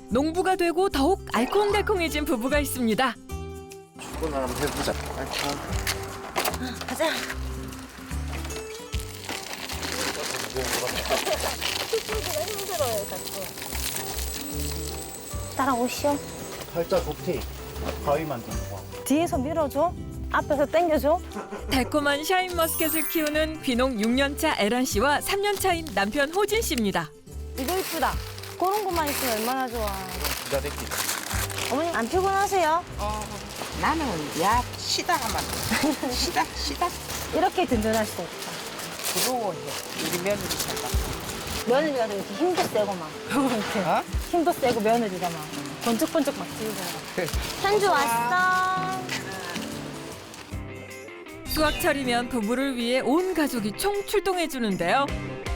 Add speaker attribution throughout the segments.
Speaker 1: 농부가 되고 더욱 알콩달콩해진 부부가 있습니다.
Speaker 2: 출근을 한번 해보자.
Speaker 3: 가자. 힘들어요, 자꾸. 따라오시오.
Speaker 2: 팔자 좋대. 가위 만드는 거.
Speaker 3: 뒤에서 밀어줘. 앞에서 당겨줘.
Speaker 1: 달콤한 샤인머스켓을 키우는 귀농 6년차 에란 씨와 3년 차인 남편 호진 씨입니다.
Speaker 3: 이거 이쁘다. 그런 것만 있으면 얼마나 좋아.
Speaker 2: 기다릴게.
Speaker 3: 어머님 안 피곤하세요?
Speaker 4: 나는 야 시다 하면 시다
Speaker 3: 이렇게 든든할 수 없다.
Speaker 4: 부러워해 우리 며느리 살다.
Speaker 3: 며느리가 이렇게 힘도 세고 막. 이렇게
Speaker 4: 어?
Speaker 3: 힘도 세고 며느리가 막 번쩍번쩍 막 뛰고. 현주 왔어.
Speaker 1: 수확철이면 부부를 위해 온 가족이 총출동해 주는데요.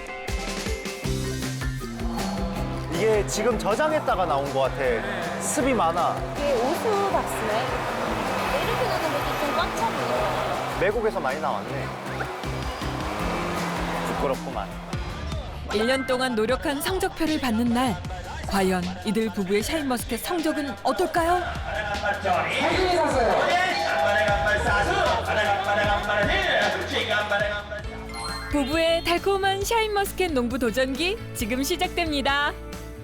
Speaker 2: 이게 지금 저장했다가 나온 것 같아. 습이 많아.
Speaker 3: 이게 오수박스네. 이렇게 넣는 것도 좀 꽉 차네.
Speaker 2: 외국에서 많이 나왔네. 부끄럽구만.
Speaker 1: 1년 동안 노력한 성적표를 받는 날. 과연 이들 부부의 샤인머스켓 성적은 어떨까요? 부부의 달콤한 샤인머스켓 농부 도전기 지금 시작됩니다.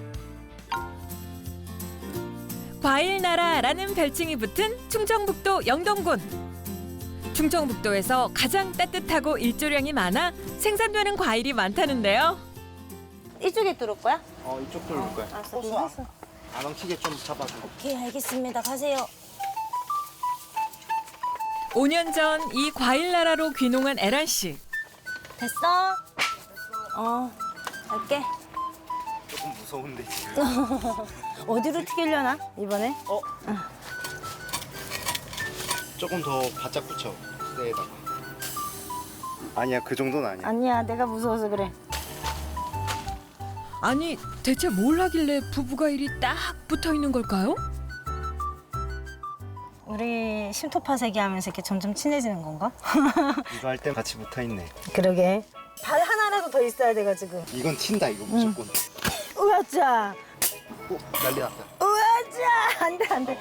Speaker 1: 과일 나라라는 별칭이 붙은 충청북도 영동군. 충청북도에서 가장 따뜻하고 일조량이 많아 생산되는 과일이 많다는데요.
Speaker 3: 이쪽에 뚫을 거야?
Speaker 2: 이쪽 돌릴 거야.
Speaker 3: 알았어.
Speaker 2: 호수
Speaker 3: 알았어.
Speaker 2: 안 엉키게 좀 잡아줘.
Speaker 3: 오케이, 알겠습니다. 가세요.
Speaker 1: 5년 전 이 과일 나라로 귀농한 에란 씨.
Speaker 3: 됐어? 갈게.
Speaker 2: 조금 무서운데 지금.
Speaker 3: 어디로 튀기려나, 이번에?
Speaker 2: 조금 더 바짝 붙여. 쇠에다가. 아니야, 그 정도는 아니야.
Speaker 3: 아니야, 내가 무서워서 그래.
Speaker 1: 아니 대체 뭘 하길래 부부가 일이 딱 붙어 있는 걸까요?
Speaker 3: 우리 심토파세기 하면서 이렇게 점점 친해지는 건가?
Speaker 2: 이거 할 때 같이 붙어 있네.
Speaker 3: 그러게. 발 하나라도 더 있어야 돼가지고.
Speaker 2: 이건 튄다, 이거 무조건.
Speaker 3: 우와짜!
Speaker 2: 난리 났다.
Speaker 3: 우와짜! 안 돼, 안 돼.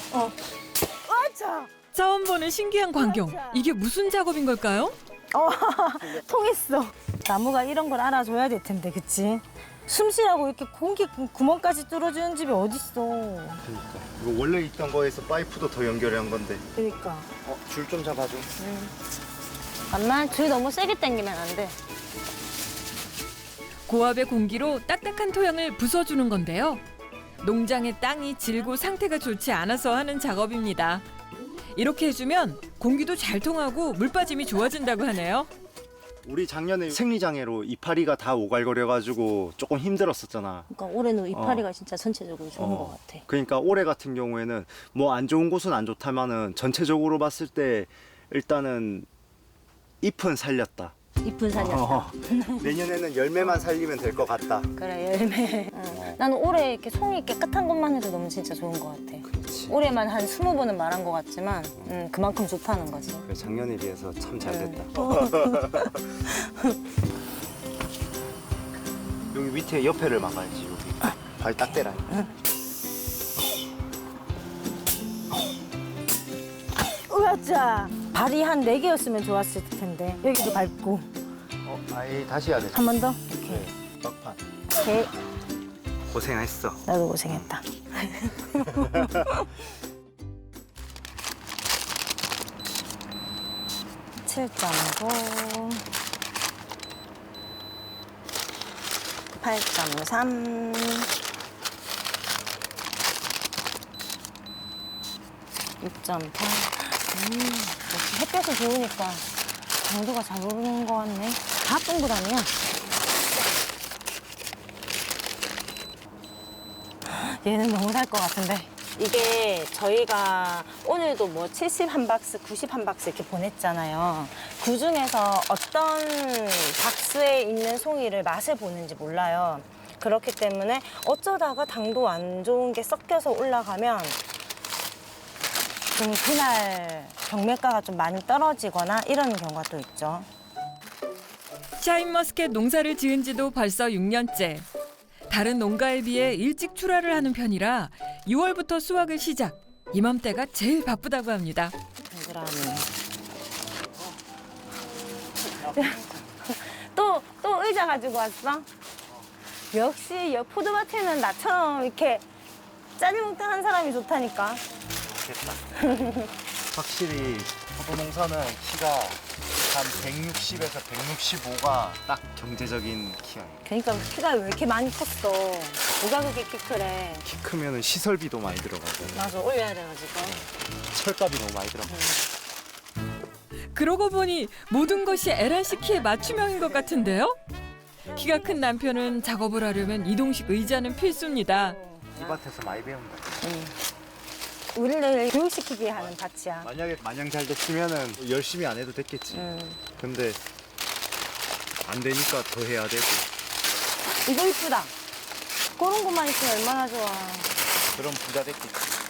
Speaker 3: 우와짜!
Speaker 1: 처음 보는 신기한 광경. 이게 무슨 작업인 걸까요?
Speaker 3: 통했어. 나무가 이런 걸 알아줘야 될 텐데, 그치? 숨 쉬라고 이렇게 공기 구멍까지 뚫어주는 집이 어딨어.
Speaker 2: 그러니까. 이거 원래 있던 거에서 파이프도 더 연결한 건데.
Speaker 3: 그러니까.
Speaker 2: 줄 좀 잡아줘.
Speaker 3: 잠깐만, 줄 너무 세게 당기면 안 돼.
Speaker 1: 고압의 공기로 딱딱한 토양을 부숴주는 건데요. 농장의 땅이 질고 상태가 좋지 않아서 하는 작업입니다. 이렇게 해주면 공기도 잘 통하고 물 빠짐이 좋아진다고 하네요.
Speaker 2: 우리 작년에 생리장애로 이파리가 다 오갈거려가지고 조금 힘들었었잖아.
Speaker 3: 그러니까 올해는 이파리가 진짜 전체적으로 좋은 것 같아.
Speaker 2: 그러니까 올해 같은 경우에는 뭐 안 좋은 곳은 안 좋다마는 전체적으로 봤을 때 일단은 잎은 살렸다.
Speaker 3: 잎은 살렸다.
Speaker 2: 내년에는 열매만 살리면 될 것 같다.
Speaker 3: 그래, 열매. 나는 올해 이렇게 송이 깨끗한 것만 해도 너무 진짜 좋은 것 같아.
Speaker 2: 그렇지.
Speaker 3: 올해만 한 20번은 말한 것 같지만 그만큼 좋다는 거지.
Speaker 2: 그래, 작년에 비해서 참 잘 됐다. 여기 밑에 옆에를 막아야지. 여기 발 딱 대라.
Speaker 3: 으아짜! 발이 한 4개였으면 좋았을 텐데. 여기도 밟고.
Speaker 2: 아예 다시 해야 돼.
Speaker 3: 한 번 더?
Speaker 2: 네, 막판.
Speaker 3: 오케이.
Speaker 2: 고생했어.
Speaker 3: 나도 고생했다. 7.9 8.3 6.8 역시 햇볕이 좋으니까 강도가 잘 오르는 것 같네. 다 동그라미야. 얘는 너무 살 것 같은데. 이게 저희가 오늘도 뭐 71박스, 91박스 이렇게 보냈잖아요. 그중에서 어떤 박스에 있는 송이를 맛을 보는지 몰라요. 그렇기 때문에 어쩌다가 당도 안 좋은 게 섞여서 올라가면 좀 그날 경매가가 좀 많이 떨어지거나 이런 경우가 또 있죠.
Speaker 1: 샤인머스켓 농사를 지은 지도 벌써 6년째. 다른 농가에 비해 일찍 출하를 하는 편이라 6월부터 수확을 시작. 이맘때가 제일 바쁘다고 합니다.
Speaker 3: 동그라미. 또 의자 가지고 왔어? 역시 여 포도밭에는 나처럼 이렇게 짜리몽땅한 사람이 좋다니까.
Speaker 2: 확실히 포도 농사는 키가 한 160에서 165가 딱 경제적인 키예요.
Speaker 3: 그러니까 키가 왜 이렇게 많이 컸어? 누가 그렇게 키 크래?
Speaker 2: 키 크면은 시설비도 많이 들어가고
Speaker 3: 맞아, 올려야 돼가지고.
Speaker 2: 철값이 너무 많이 들어가고.
Speaker 1: 그러고 보니 모든 것이 에란 씨 키에 맞춤형인 것 같은데요? 키가 큰 남편은 작업을 하려면 이동식 의자는 필수입니다.
Speaker 2: 이 밭에서 많이 배운다.
Speaker 3: 우리를 교육시키게 하는 밭이야.
Speaker 2: 만약에 마냥 잘 됐으면은 열심히 안 해도 됐겠지. 근데 안 되니까 더 해야 되고.
Speaker 3: 이거 이쁘다. 그런 것만 있으면 얼마나 좋아.
Speaker 2: 그럼 부자 됐겠지.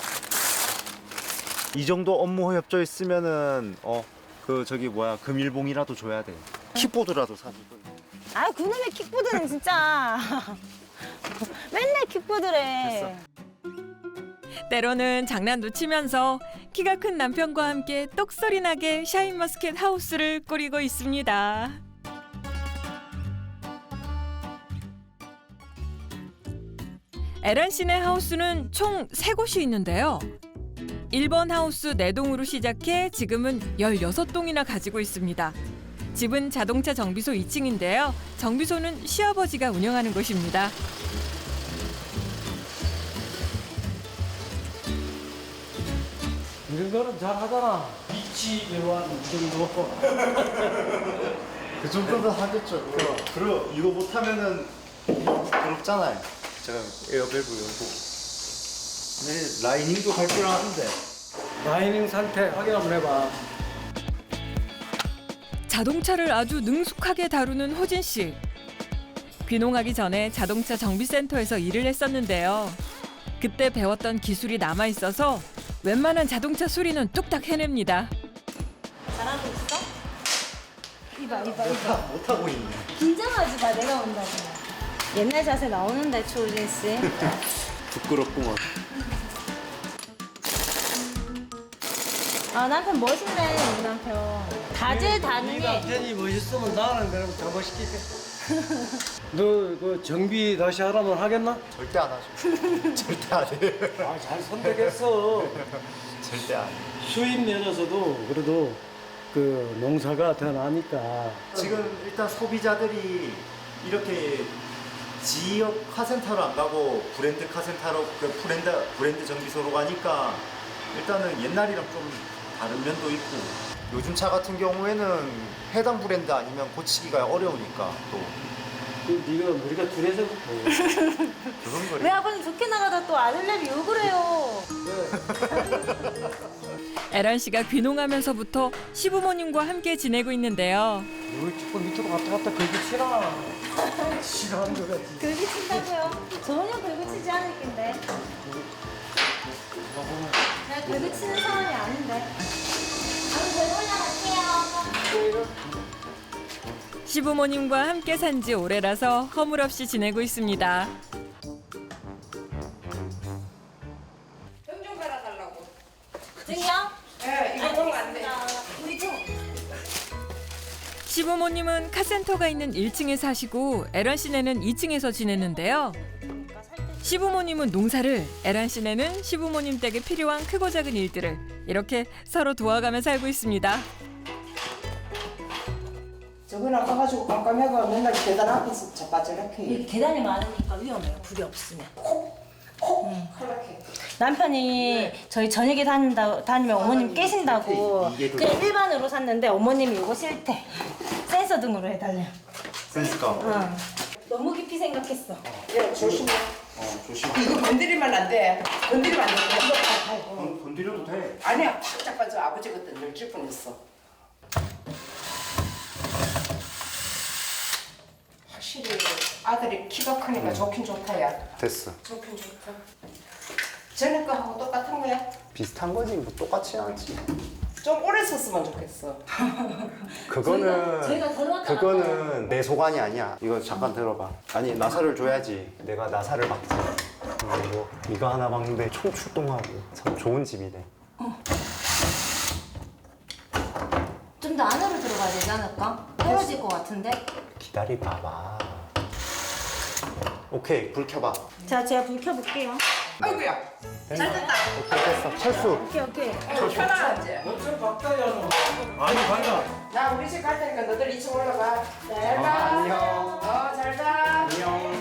Speaker 2: 이 정도 업무 협조 있으면은 금일봉이라도 줘야 돼. 킥보드라도 사주고.
Speaker 3: 아, 그놈의 킥보드는 진짜. 맨날 킥보드래.
Speaker 1: 때로는 장난도 치면서 키가 큰 남편과 함께 똑소리 나게 샤인머스켓 하우스를 꾸리고 있습니다. 에란 씨네 하우스는 총 3곳이 있는데요. 1번 하우스 4동으로 시작해 지금은 16동이나 가지고 있습니다. 집은 자동차 정비소 2층인데요. 정비소는 시아버지가 운영하는 곳입니다.
Speaker 5: 이런 거는 잘 하잖아. 위치 이러한 정도.
Speaker 2: 그 정도는 하겠죠. 그리고 이거 못하면은 부럽잖아요. 제가 에어밸브 열고. 네, 라이닝도 갈 줄 아는데.
Speaker 5: 라이닝 상태 확인 한번 해봐.
Speaker 1: 자동차를 아주 능숙하게 다루는 호진 씨. 귀농하기 전에 자동차 정비센터에서 일을 했었는데요. 그때 배웠던 기술이 남아 있어서 웬만한 자동차 수리는 뚝딱 해냅니다.
Speaker 3: 잘하고 있어? 이봐.
Speaker 2: 못하고 있네.
Speaker 3: 긴장하지 마, 내가 온다고. 옛날 자세 나오는데, 초우진 씨.
Speaker 2: 부끄럽구만.
Speaker 3: 아, 남편 멋있네, 우리 남편. 다재다능해.
Speaker 5: 남편이 멋있으면 나는 그럼 더 멋있겠게. 너 그 정비 다시 하라면 하겠나?
Speaker 2: 절대 안 하죠. 절대 안 해요.
Speaker 5: 아, 잘 선택했어.
Speaker 2: 절대 안 해요.
Speaker 5: 수입 면에서도 그래도 그 농사가 더 나니까.
Speaker 2: 지금 일단 소비자들이 이렇게 지역 카센터로 안 가고 브랜드 카센터로 브랜드 정비소로 가니까 일단은 옛날이랑 좀 다른 면도 있고 요즘 차 같은 경우에는 해당 브랜드 아니면 고치기가 어려우니까 또
Speaker 5: 네가 머리가 둔해서부터.
Speaker 2: 그런 거를
Speaker 3: 왜 아버님 좋게 나가다 또 아들내미 욕을 해요?
Speaker 1: 에란 씨가 귀농하면서부터 시부모님과 함께 지내고 있는데요.
Speaker 5: 너 조금 밑으로 갔다 긁기 치라. 싫어하는 거 같지.
Speaker 3: 긁이 친다고요? 전혀 긁이 치지 않을 텐데. 내가 긁이 치는 상황이 아닌데.
Speaker 1: 시부모님과 함께 산 지 오래라서 허물없이 지내고 있습니다.
Speaker 4: 좀 갈아달라고.
Speaker 3: 증이요?
Speaker 4: 예, 이거 먹으면 안 돼.
Speaker 3: 우리 좀.
Speaker 1: 시부모님은 카센터가 있는 1층에 사시고 에란 씨네는 2층에서 지내는데요. 시부모님은 농사를, 에란 씨네는 시부모님 댁에 필요한 크고 작은 일들을 이렇게 서로 도와가며 살고 있습니다.
Speaker 4: 저거 나가가지고 깜깜해가 맨날 계단 앞에서 자빠져락해.
Speaker 3: 이렇게 계단이 많으니까 위험해요. 불이 없으면.
Speaker 4: 탈락해.
Speaker 3: 남편이 저희 저녁에 다니면 어머님 깨신다고
Speaker 2: 이게
Speaker 3: 그냥 일반으로 샀는데 어머님이 이거 싫대. 센서 등으로 해달래요.
Speaker 2: 그러니까
Speaker 3: 너무 깊이 생각했어.
Speaker 4: 예, 조심해.
Speaker 2: 조심해.
Speaker 4: 이거 건드리면 안 돼. 건드리면 안 돼. 이거 다
Speaker 2: 건드려도 돼.
Speaker 4: 아니야, 팍 자빠져. 아버지 그때 늙질 뻔했어. 확실히 아들이 키가 크니까 좋긴 좋다야.
Speaker 2: 됐어.
Speaker 4: 좋긴 좋다. 전에 거하고 똑같은 거야?
Speaker 2: 비슷한 거지 뭐 똑같진 않지.
Speaker 4: 좀 오래 썼으면 좋겠어.
Speaker 2: 그거는 내 소관이 아니야. 이거 잠깐 들어봐. 아니 나사를 줘야지. 내가 나사를 박지. 그리고 이거 하나 박는데 총 출동하고 참 좋은 집이네.
Speaker 3: 좀 더 안으로 들어가야 되지 않을까? 떨어질 것 같은데?
Speaker 2: 기다리 봐봐. 오케이 불 켜봐.
Speaker 3: 자, 제가 불 켜볼게요.
Speaker 4: 아이고야.
Speaker 2: 잘 됐다. 오케이 됐어. 철수.
Speaker 3: 오케이.
Speaker 4: 편안하지?
Speaker 5: 엄청 박다야 너. 많이 밝아.
Speaker 4: 나 우리 집 갈 테니까 너들 2층 올라가. 잘 가.
Speaker 2: 안녕.
Speaker 4: 잘 가.
Speaker 2: 안녕.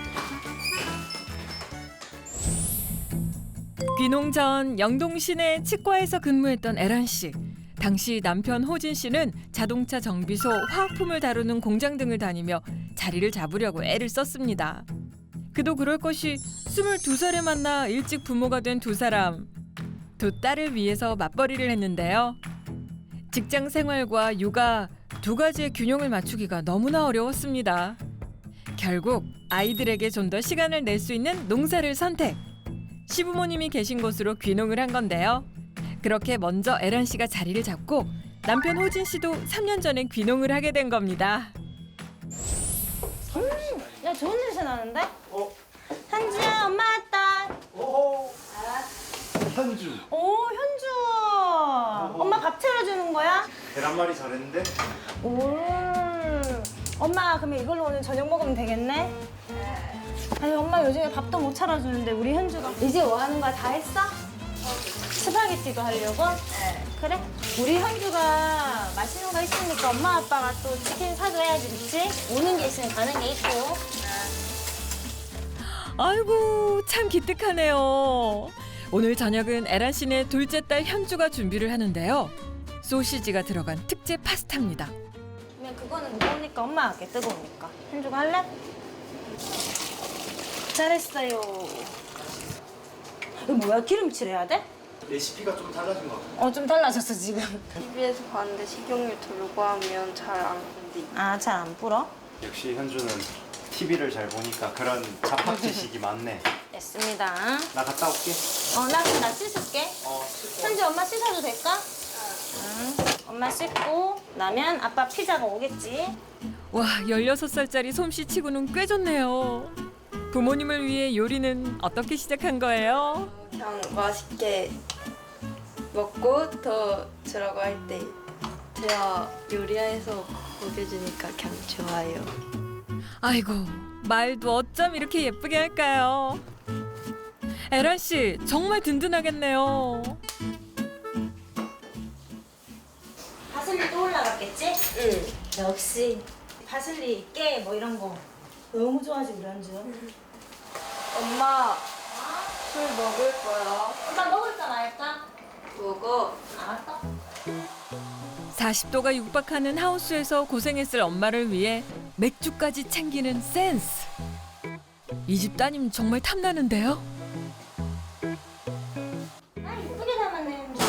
Speaker 1: 귀농 전 영동 시내 치과에서 근무했던 에란 씨. 당시 남편 호진 씨는 자동차 정비소, 화학품을 다루는 공장 등을 다니며 자리를 잡으려고 애를 썼습니다. 그도 그럴 것이 22살에 만나 일찍 부모가 된 두 사람. 두 딸을 위해서 맞벌이를 했는데요. 직장 생활과 육아 두 가지의 균형을 맞추기가 너무나 어려웠습니다. 결국 아이들에게 좀 더 시간을 낼 수 있는 농사를 선택. 시부모님이 계신 곳으로 귀농을 한 건데요. 그렇게 먼저 에란 씨가 자리를 잡고 남편 호진 씨도 3년 전에 귀농을 하게 된 겁니다.
Speaker 3: 야, 좋은 냄새 나는데?
Speaker 2: 어?
Speaker 3: 현주야, 엄마 왔다.
Speaker 2: 오. 현주.
Speaker 3: 오, 현주. 엄마 밥 차려주는 거야?
Speaker 2: 계란말이 잘했는데?
Speaker 3: 오. 엄마, 그러면 이걸로 오늘 저녁 먹으면 되겠네? 아니, 엄마 요즘에 밥도 못 차려주는데 우리 현주가 이제 뭐 하는 거야? 다 했어? 스파게티도 하려고? 네. 그래? 우리 현주가 맛있는 거 있으니까 엄마 아빠가 또 치킨 사줘야지, 그치? 오는 게 있으면 가는 게 있고.
Speaker 1: 아이고 참 기특하네요. 오늘 저녁은 에란 씨네 둘째 딸 현주가 준비를 하는데요. 소시지가 들어간 특제 파스타입니다.
Speaker 3: 그러면 그거는 무거우니까 엄마 할게, 뜨거우니까. 현주가 할래? 잘했어요. 이거 뭐야? 기름칠 해야 돼?
Speaker 2: 레시피가 좀 달라진 것 같아.
Speaker 3: 좀 달라졌어, 지금.
Speaker 6: TV에서 봤는데 식용유 두르고 하면 잘 안 건디.
Speaker 3: 아, 잘 안 불어?
Speaker 2: 역시 현주는 TV를 잘 보니까 그런 잡학 지식이 많네.
Speaker 3: 됐습니다.
Speaker 2: 나 갔다 올게.
Speaker 3: 나 그럼 나 씻을게.
Speaker 2: 씻고.
Speaker 3: 현주 엄마 씻어도 될까? 응. 엄마 씻고 나면 아빠 피자가 오겠지.
Speaker 1: 와 16살짜리 솜씨치고는 꽤 좋네요. 부모님을 위해 요리는 어떻게 시작한 거예요?
Speaker 6: 그냥 맛있게 먹고 더 주라고 할 때 제가 요리해서 먹여주니까 그냥 좋아요.
Speaker 1: 아이고 말도 어쩜 이렇게 예쁘게 할까요? 에란 씨 정말 든든하겠네요.
Speaker 3: 파슬리 또 올라갔겠지?
Speaker 6: 응.
Speaker 3: 역시 파슬리, 깨 뭐 이런 거 너무 좋아하지 우리 현주.
Speaker 6: 엄마 술 먹을 거야.
Speaker 3: 엄마 먹을까 말까?
Speaker 6: 먹어.
Speaker 3: 알았어.
Speaker 1: 40도가 육박하는 하우스에서 고생했을 엄마를 위해 맥주까지 챙기는 센스. 이 집 따님 정말 탐나는데요.
Speaker 3: 아, 이쁘게 담았네 현주.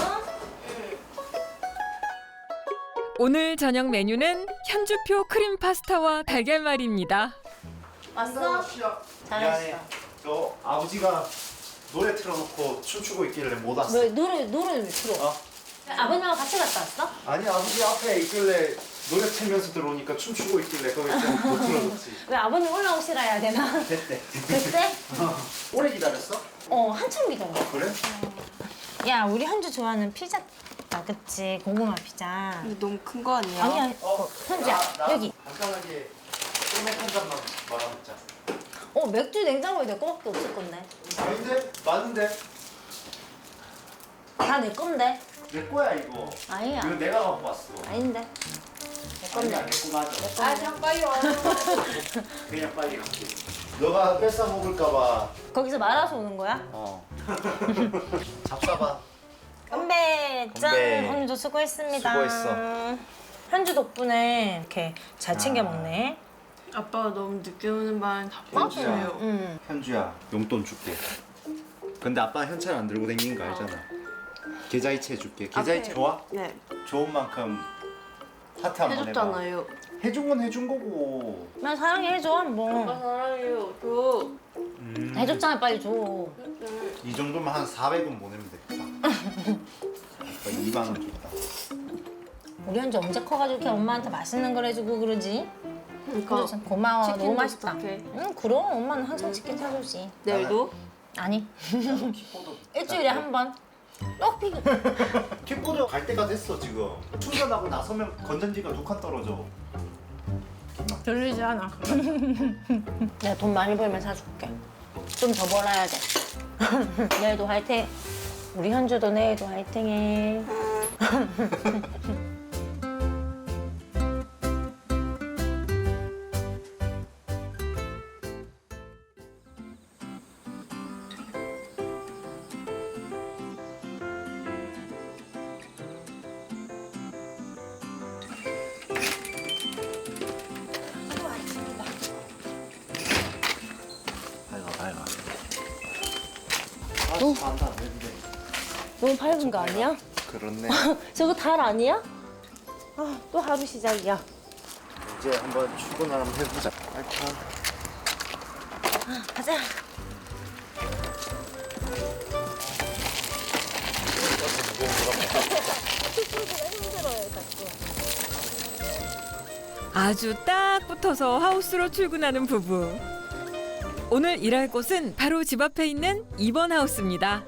Speaker 1: 오늘 저녁 메뉴는 현주표 크림 파스타와 달걀말이입니다.
Speaker 3: 왔어?
Speaker 2: 미안해. 너 아버지가 노래 틀어놓고 춤추고 있길래 못 왔어.
Speaker 3: 왜 노래를 왜 틀어?
Speaker 2: 어?
Speaker 3: 아버님하고 같이 갔다 왔어?
Speaker 2: 아니 아버지 앞에 있길래 노래 틀면서 들어오니까 춤추고 있길래 거기 좀못 틀어줬지.
Speaker 3: 왜 아버님 올라오시라 해야 되나?
Speaker 2: 됐대.
Speaker 3: 그때?
Speaker 2: 오래 기다렸어?
Speaker 3: 한참 기다려.
Speaker 2: 그래?
Speaker 3: 야, 우리 현주 좋아하는 피자다, 그치? 고구마 피자.
Speaker 6: 근데 너무 큰 거 아니야?
Speaker 3: 아니야, 현주야, 여기.
Speaker 2: 간단하게 소맥 한 잔만 말아먹자.
Speaker 3: 맥주 냉장고에 내 거밖에 없을 건데.
Speaker 2: 아닌데? 맞는데?
Speaker 3: 다 내 건데.
Speaker 2: 내 거야 이거.
Speaker 3: 아니야.
Speaker 2: 이거 내가 갖고 왔어.
Speaker 3: 아닌데. 내 건데.
Speaker 2: 아니야 내거 맞아.
Speaker 4: 아, 그냥 빨리 와.
Speaker 2: 그냥 빨리 갈게. 너가 뺏어 먹을까봐.
Speaker 3: 거기서 말아서 오는 거야?
Speaker 2: 잡숴봐.
Speaker 3: 건배! 짠!
Speaker 2: 건배.
Speaker 3: 현주 수고했습니다.
Speaker 2: 수고했어.
Speaker 3: 현주 덕분에 이렇게 잘 챙겨 먹네.
Speaker 6: 아빠가 너무 늦게 오는 바람에
Speaker 2: 현주야.
Speaker 6: 답답해요.
Speaker 3: 응.
Speaker 2: 현주야 용돈 줄게. 근데 아빠 현찰 안 들고 다니는 거 알잖아. 계좌이체 줄게. 계좌이체 좋아?
Speaker 6: 네.
Speaker 2: 좋은 만큼 하트 한번 해봐.
Speaker 6: 해줬잖아요.
Speaker 2: 해준 건 해준 거고.
Speaker 3: 나 사랑해 해줘
Speaker 6: 아빠
Speaker 3: 한번.
Speaker 6: 사랑해요. 저.
Speaker 3: 해줬잖아, 빨리 줘.
Speaker 2: 이 정도면 한 400원 보내면 되겠다. 2만 원 줬다.
Speaker 3: 우리 현주 언제 커가지고 이렇게 엄마한테 맛있는 걸 해주고 그러지?
Speaker 6: 그러니까
Speaker 3: 그래서 고마워. 너무
Speaker 6: 치킨도
Speaker 3: 맛있다.
Speaker 6: 부탁해.
Speaker 3: 응, 그럼 엄마는 항상 치킨 사주지.
Speaker 6: 내일도?
Speaker 3: 아니. 일주일에 한 번. 또 피고.
Speaker 2: 킥보드 갈 때가 됐어 지금. 충전하고 나서면 건전지가 2칸 떨어져.
Speaker 3: 들리지 않아. 내가 돈 많이 벌면 사줄게. 좀 더 벌어야 돼. 내일도 화이팅. 우리 현주도 내일도 화이팅해.
Speaker 2: 밝아. 안다 안 되는데.
Speaker 3: 너무 밝은 거 아니야?
Speaker 2: 그렇네.
Speaker 3: 저거 달 아니야? 또 하루 시작이야.
Speaker 2: 이제 한번 출근을 한번 해보자.
Speaker 3: 가자.
Speaker 1: 아주 딱 붙어서 하우스로 출근하는 부부. 오늘 일할 곳은 바로 집 앞에 있는 2번 하우스입니다.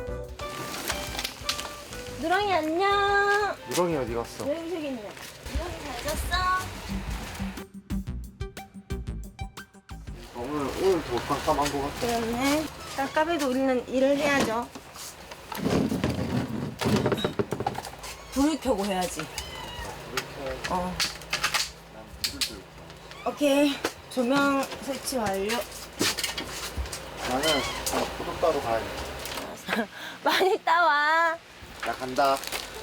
Speaker 3: 누렁이 안녕.
Speaker 2: 유렁이 어디 갔어?
Speaker 3: 왜 저기 있냐? 누렁이 잘 잤어?
Speaker 2: 오늘 더 깜깜한 거 같아.
Speaker 3: 그렇네. 깜깜해도 우리는 일을 해야죠. 불을 켜고 해야지. 오케이. 조명 설치 완료.
Speaker 2: 나는 포도 따러 가야 돼.
Speaker 3: 많이 따와.
Speaker 2: 나 간다.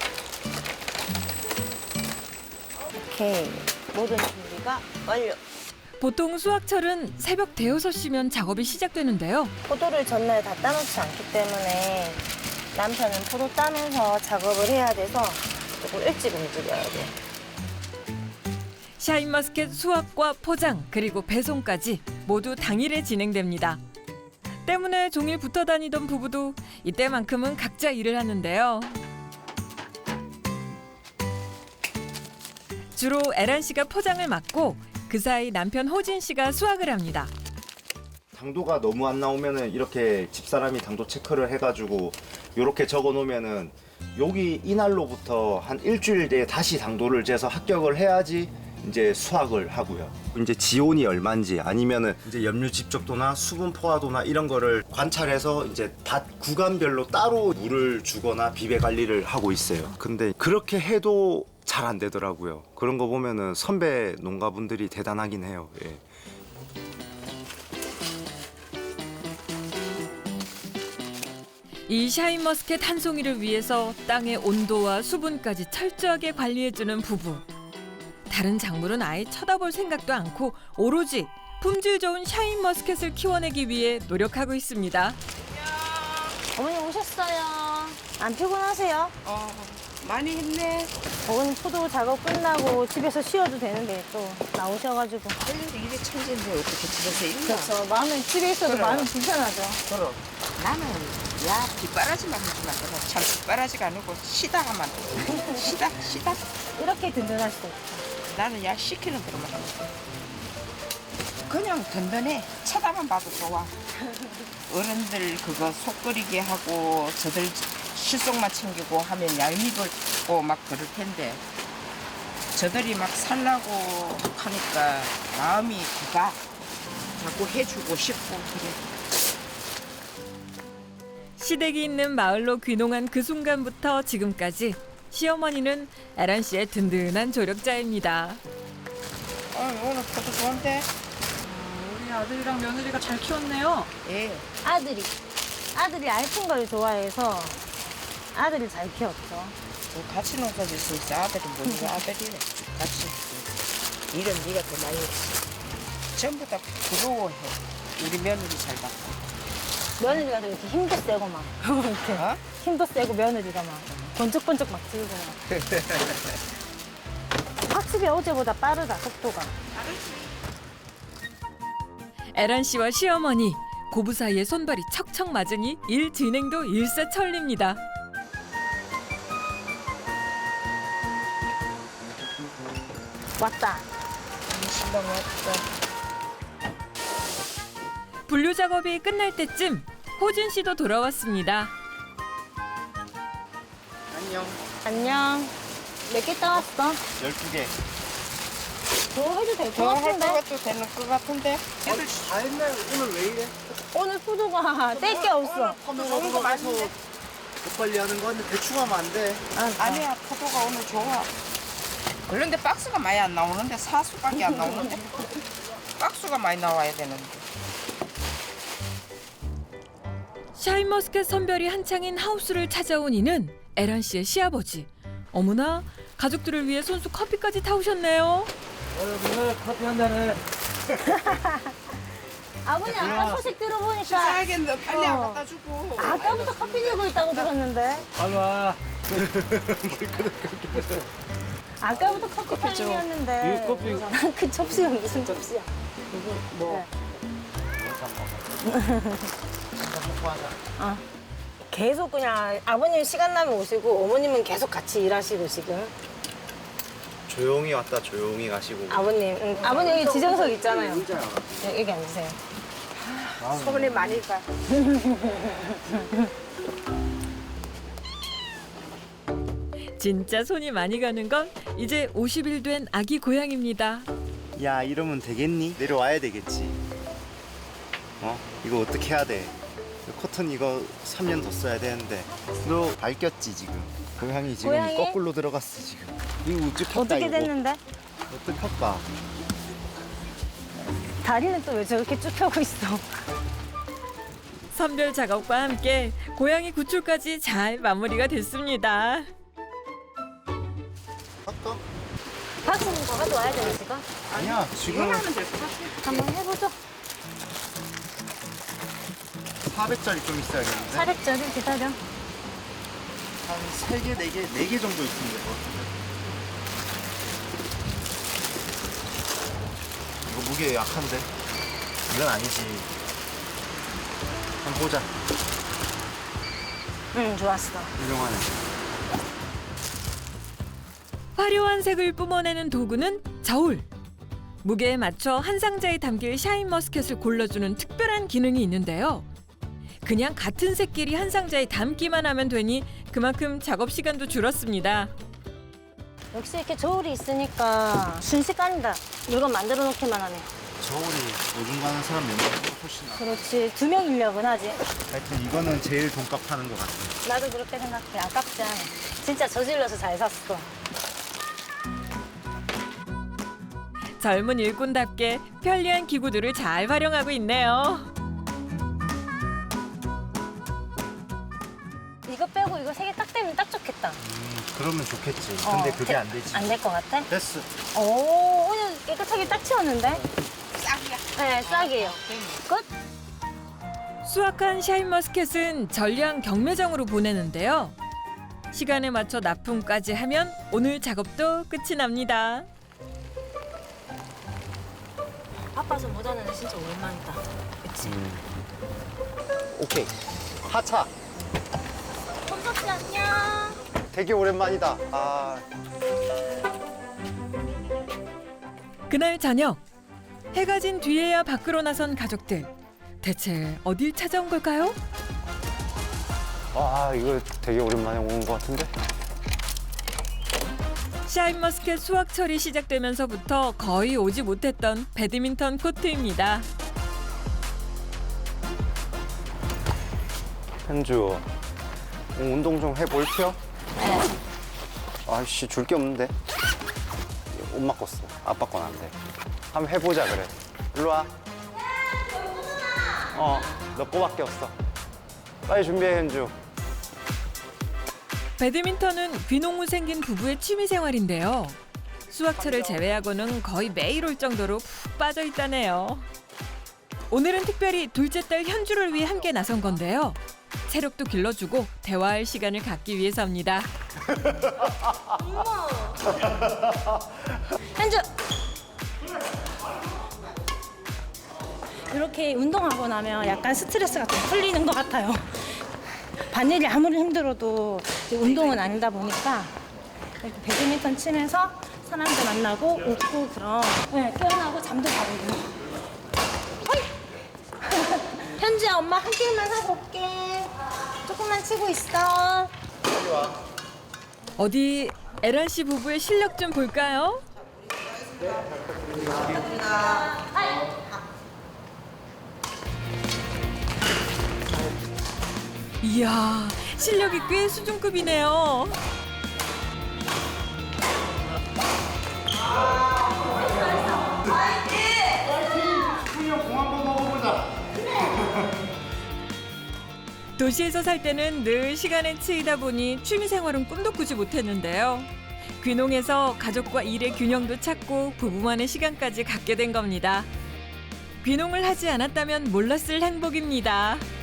Speaker 3: 오케이. 모든 준비가 완료.
Speaker 1: 보통 수확철은 새벽 대여섯 시면 작업이 시작되는데요.
Speaker 3: 포도를 전날 다 따놓지 않기 때문에 남편은 포도 따면서 작업을 해야 돼서 조금 일찍 움직여야 돼.
Speaker 1: 샤인머스켓 수확과 포장 그리고 배송까지 모두 당일에 진행됩니다. 때문에 종일 붙어 다니던 부부도 이때만큼은 각자 일을 하는데요. 주로 에란 씨가 포장을 맡고 그 사이 남편 호진 씨가 수확을 합니다.
Speaker 2: 당도가 너무 안 나오면은 이렇게 집사람이 당도 체크를 해가지고 이렇게 적어 놓으면은 여기 이날로부터 한 일주일 내에 다시 당도를 재서 합격을 해야지 이제 수확을 하고요. 이제 지온이 얼마인지 아니면은 이제 염류 집적도나 수분 포화도나 이런 거를 관찰해서 이제 밭 구간별로 따로 물을 주거나 비배 관리를 하고 있어요. 근데 그렇게 해도 잘 안 되더라고요. 그런 거 보면은 선배 농가분들이 대단하긴 해요. 예.
Speaker 1: 이 샤인머스켓 한 송이를 위해서 땅의 온도와 수분까지 철저하게 관리해주는 부부. 다른 작물은 아예 쳐다볼 생각도 않고 오로지 품질 좋은 샤인머스켓을 키워내기 위해 노력하고 있습니다.
Speaker 3: 어머니 오셨어요. 안 피곤하세요?
Speaker 4: 많이 했네.
Speaker 3: 어머니 포도 작업 끝나고 집에서 쉬어도 되는데 또 나오셔가지고.
Speaker 7: 일이 천진데 어떻게 집에서 있나?
Speaker 3: 그렇죠. 마음은 집에 있어도
Speaker 7: 그래.
Speaker 3: 마음이 불편하죠.
Speaker 7: 그럼 나는 야 뒷바라지만 하지 말고 참 뒷바라지가 아니고 시다가만 시다
Speaker 3: 이렇게 든든할 수 없죠.
Speaker 7: 나는 야 시키는 대로만 하면 돼. 그냥 든든해 쳐다만 봐도 좋아. 어른들 그거 속 끓이게 하고 저들 실속만 챙기고 하면 얄밉고 막 그럴 텐데 저들이 막 살라고 하니까 마음이 그가 자꾸 해주고 싶고 그래.
Speaker 1: 시댁이 있는 마을로 귀농한 그 순간부터 지금까지 시어머니는 에란 씨의 든든한 조력자입니다.
Speaker 7: 오늘 포도 좋은데?
Speaker 8: 우리 아들이랑 며느리가 잘 키웠네요.
Speaker 7: 예.
Speaker 3: 아들이 얇은 걸 좋아해서 아들이 잘 키웠죠.
Speaker 7: 같이 농사 짓을 수 있어. 아들이 뭐고 아들이래. 같이. 일은 네가 더 많이 했지. 전부 다 부러워해. 우리 며느리 잘 봤고.
Speaker 3: 며느리가 이렇게 힘도 세고 막 이렇게
Speaker 7: 어?
Speaker 3: 힘도 세고 며느리가 막 번쩍번쩍 막 들고 막. 확실히 어제보다 빠르다 속도가.
Speaker 1: 에란 씨와 시어머니 고부 사이에 손발이 척척 맞으니 일 진행도 일사천리입니다.
Speaker 3: 왔다.
Speaker 7: 신랑 왔다.
Speaker 1: 분류 작업이 끝날 때쯤 호진 씨도 돌아왔습니다.
Speaker 2: 안녕.
Speaker 3: 안녕. 몇 개 따왔어?
Speaker 2: 12개.
Speaker 3: 더 해도 될 것
Speaker 7: 더 할
Speaker 3: 같은데?
Speaker 7: 것도 되는 것 같은데.
Speaker 5: 애들 다 했네. 오늘 왜 이래?
Speaker 3: 오늘 포도가 뗄 게 없어.
Speaker 7: 좋은 거 많은데?
Speaker 2: 더 빨리 하는 건 대충 하면 안 돼.
Speaker 7: 아니야, 포도가 오늘 좋아. 그런데 박스가 많이 안 나오는데 사수밖에 안 나오는데 박스가 많이 나와야 되는데.
Speaker 1: 샤인머스켓 선별이 한창인 하우스를 찾아온 이는 에란 씨의 시아버지. 어머나, 가족들을 위해 손수 커피까지 타오셨네요.
Speaker 5: 오늘 커피 한 잔해.
Speaker 3: 아버님 아까 소식 들어보니까
Speaker 7: 사야겠는데 빨리 안 갖다 주고.
Speaker 3: 아까부터 커피 들고 있다고 들었는데.
Speaker 5: 빨리 와.
Speaker 3: 아까부터 커피 타임이었는데.
Speaker 5: 이 커피.
Speaker 3: 그 접시가 무슨 접시야?
Speaker 5: 뭐.
Speaker 3: 계속 그냥 아버님 시간 나면 오시고 어머님은 계속 같이 일하시고 지금.
Speaker 2: 조용히 왔다 조용히 가시고.
Speaker 3: 아버님, 아버님 여기 지정석 있잖아요. 여기 앉으세요.
Speaker 7: 소문이 많이 가.
Speaker 1: 진짜 손이 많이 가는 건 이제 50일 된 아기 고양입니다.
Speaker 2: 야 이러면 되겠니? 내려와야 되겠지. 이거 어떻게 해야 돼? 커튼 이거 3년 더 써야 되는데. 너 밝혔지 지금. 고양이 지금
Speaker 3: 고양이?
Speaker 2: 거꾸로 들어갔어 지금. 이거 우측
Speaker 3: 어떻게
Speaker 2: 이거.
Speaker 3: 됐는데?
Speaker 2: 어떡할까?
Speaker 3: 다리는 또 왜 저렇게 쭉 펴고 있어?
Speaker 1: 선별 작업과 함께 고양이 구출까지 잘 마무리가 됐습니다.
Speaker 2: 할까?
Speaker 3: 박스는 더 가져와야 되는 지금?
Speaker 2: 아니야 지금
Speaker 3: 한번 해보죠.
Speaker 2: 400짜리 좀 있어야겠는데.
Speaker 3: 400짜리 기다려.
Speaker 2: 한 3개, 4개, 4개 정도 있으면 될 것 같은데. 이거 무게 약한데? 이건 아니지. 한번 보자.
Speaker 3: 응, 좋았어.
Speaker 2: 훌륭하네.
Speaker 1: 화려한 색을 뿜어내는 도구는 저울. 무게에 맞춰 한 상자에 담길 샤인머스켓을 골라주는 특별한 기능이 있는데요. 그냥 같은 색끼리 한 상자에 담기만 하면 되니 그만큼 작업 시간도 줄었습니다.
Speaker 3: 역시 이렇게 저울이 있으니까 순식간이다. 물건 만들어 놓기만 하네.
Speaker 2: 저울이 요즘 가는 사람 몇 명보다 훨씬 나.
Speaker 3: 그렇지. 2명 인력은 하지.
Speaker 2: 하여튼 이거는 제일 돈값 하는 것 같아.
Speaker 3: 나도 그렇게 생각해. 아깝지 않아. 진짜 저질러서 잘 샀어.
Speaker 1: 젊은 일꾼답게 편리한 기구들을 잘 활용하고 있네요.
Speaker 3: 이거 빼고 이거 3개 딱 되면 딱 좋겠다.
Speaker 2: 그러면 좋겠지. 근데 그게 안 되지.
Speaker 3: 안 될 것 같아?
Speaker 2: 됐어.
Speaker 3: 오, 오늘 깨끗하게 딱 치웠는데?
Speaker 7: 싹이야.
Speaker 3: 네, 싹이에요. 끝?
Speaker 1: 수확한 샤인머스켓은 전량 경매장으로 보내는데요. 시간에 맞춰 납품까지 하면 오늘 작업도 끝이 납니다.
Speaker 3: 바빠서 못 하는 애 진짜 오랜만이다. 그치?
Speaker 2: 오케이. 하차.
Speaker 3: 손석씨 안녕.
Speaker 2: 되게 오랜만이다.
Speaker 1: 그날 저녁 해가 진 뒤에야 밖으로 나선 가족들. 대체 어딜 찾아온 걸까요?
Speaker 2: 이거 되게 오랜만에 오는 것 같은데?
Speaker 1: 샤인머스켓 수확철이 시작되면서부터 거의 오지 못했던 배드민턴 코트입니다.
Speaker 2: 현주, 운동 좀 해볼게요? 아이씨, 줄 게 없는데. 엄마 거 써. 아빠 건 안 돼. 한번 해보자, 그래. 일로 와. 너 거밖에 없어. 빨리 준비해, 현주.
Speaker 1: 배드민턴은 귀농 후 생긴 부부의 취미 생활인데요. 수확철을 제외하고는 거의 매일 올 정도로 푹 빠져 있다네요. 오늘은 특별히 둘째 딸 현주를 위해 함께 나선 건데요. 체력도 길러주고 대화할 시간을 갖기 위해서입니다.
Speaker 3: 현주! 이렇게 운동하고 나면 약간 스트레스가 좀 풀리는 것 같아요. 반일이 아무리 힘들어도 운동은 아니다 보니까 이렇게 배드민턴 치면서 사람들 만나고 웃고 그럼 네, 깨어나고 잠도 자고 어이! 현지야 엄마 한 개만 하고 올게. 조금만 치고 있어.
Speaker 1: 어디 에란 씨 부부의 실력 좀 볼까요? 이야, 실력이 꽤 수준급이네요. 도시에서 살 때는 늘 시간에 치이다 보니 취미생활은 꿈도 꾸지 못했는데요. 귀농해서 가족과 일의 균형도 찾고 부부만의 시간까지 갖게 된 겁니다. 귀농을 하지 않았다면 몰랐을 행복입니다.